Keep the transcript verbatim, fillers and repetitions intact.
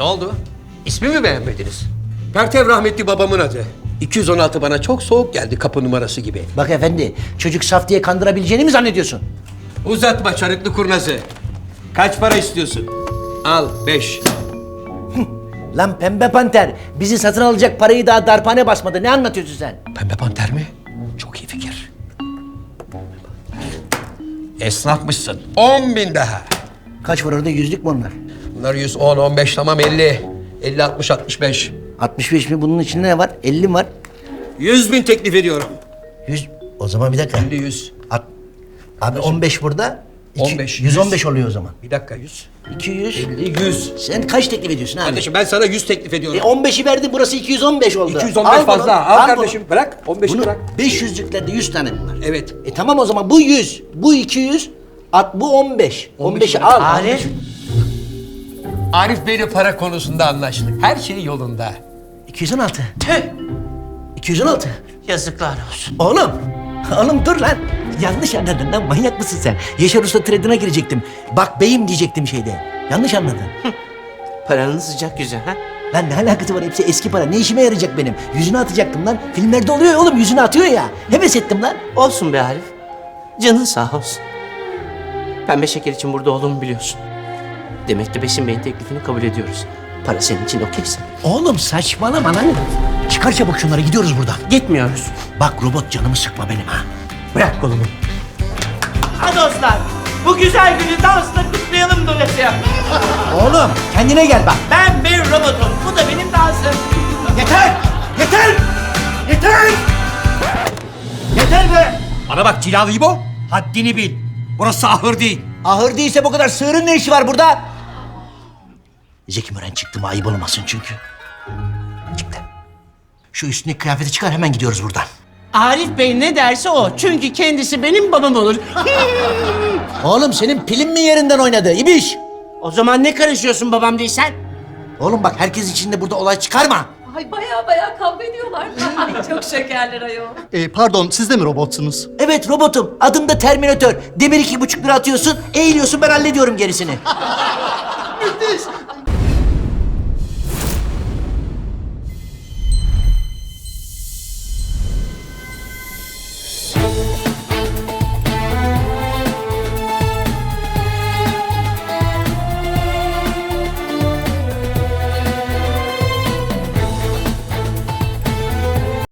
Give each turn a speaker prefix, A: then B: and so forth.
A: Ne oldu? İsmi mi beğenmediniz? Pertev rahmetli babamın adı. iki yüz on altı bana çok soğuk geldi, kapı numarası gibi.
B: Bak efendi, çocuk saf diye kandırabileceğini mi zannediyorsun?
A: Uzatma çarıklı kurnazı. Kaç para istiyorsun? Al beş.
B: Lan pembe panter, bizi satın alacak parayı daha darphane basmadı. Ne anlatıyorsun sen?
A: Pembe panter mi? Çok iyi fikir. Esnafmışsın. On bin daha.
B: Kaç var orada, yüzlük mü onlar?
A: Bunlar yüz on, on beş, tamam elli. Elli, altmış, altmış beş.
B: altmış beş mi? Bunun içinde ne var? elli mi var?
A: Yüz bin teklif ediyorum.
B: yüz. O zaman bir dakika.
A: elli, yüz.
B: At. Abi on beş burada. iki-
A: on beş,
B: yüz on beş
A: yüz.
B: oluyor o zaman.
A: Bir dakika yüz.
B: iki yüz.
A: elli, yüz.
B: Sen kaç teklif ediyorsun abi?
A: Kardeşim ben sana yüz teklif ediyorum.
B: E on beşi verdin, burası iki yüz on beş oldu.
A: iki yüz on beş
B: Al
A: fazla.
B: bunu,
A: Al,
B: bunu.
A: kardeşim. Bırak. on beşi
B: Bunu
A: bırak.
B: beş yüzlüklerde yüz tane mi var?
A: Evet.
B: E tamam o zaman bu yüz, bu iki yüz, at bu on beş. on beşi
A: bırak.
B: al.
C: Arif.
A: Arif Bey'le para konusunda anlaştık. Her şey yolunda.
B: iki yüz on altı.
C: Tüh.
B: iki yüz on altı.
C: Yazıklar olsun.
B: Oğlum, oğlum dur lan. Yanlış anladın lan, manyak mısın sen? Yaşar Usta trade'ine girecektim. Bak beyim diyecektim şeyde. Yanlış anladın.
C: Paranın sıcak yüzü ha?
B: Lan ne alakası var, hepsi eski para. Ne işime yarayacak benim? Yüzünü atacaktım lan. Filmlerde oluyor ya oğlum, yüzünü atıyor ya. Heves ettim lan.
C: Olsun be Arif. Canın sağ olsun. Pembe şeker için burada olduğumu biliyorsun. Demek ki Besim Bey'in teklifini kabul ediyoruz. Para senin için okeyse.
B: Oğlum saçmalama lan. Çıkar çabuk şunları, gidiyoruz buradan.
C: Gitmiyoruz.
B: Bak robot, canımı sıkma benim ha. Bırak kolumu.
C: Ha dostlar, bu güzel günü dansla kutlayalım dolayısıyla.
B: Oğlum kendine gel bak.
C: Ben bir robotum, bu da benim dansım.
B: Yeter! Yeter! Yeter! Yeter be!
D: Bana bak Cilalı İbo, haddini bil. Burası ahır değil.
B: Ahır değilse bu kadar sığırın ne işi var burada? Zeki Müren çıktı mı ayıp olmasın çünkü. Çıktı. Şu üstündeki kıyafeti çıkar, hemen gidiyoruz buradan.
C: Arif Bey ne derse o. Çünkü kendisi benim babam olur.
B: Oğlum senin pilin mi yerinden oynadı İbiş?
C: O zaman ne karışıyorsun babam değilsen?
B: Oğlum bak, herkes içinde burada olay çıkarma.
E: Ay baya baya kavga ediyorlar. Ay çok şekerler ayol.
F: Ee, pardon, siz de mi robotsunuz?
B: Evet robotum, adım da Terminator. Demir iki buçuk lira atıyorsun, eğiliyorsun, ben hallediyorum gerisini.
F: Müthiş!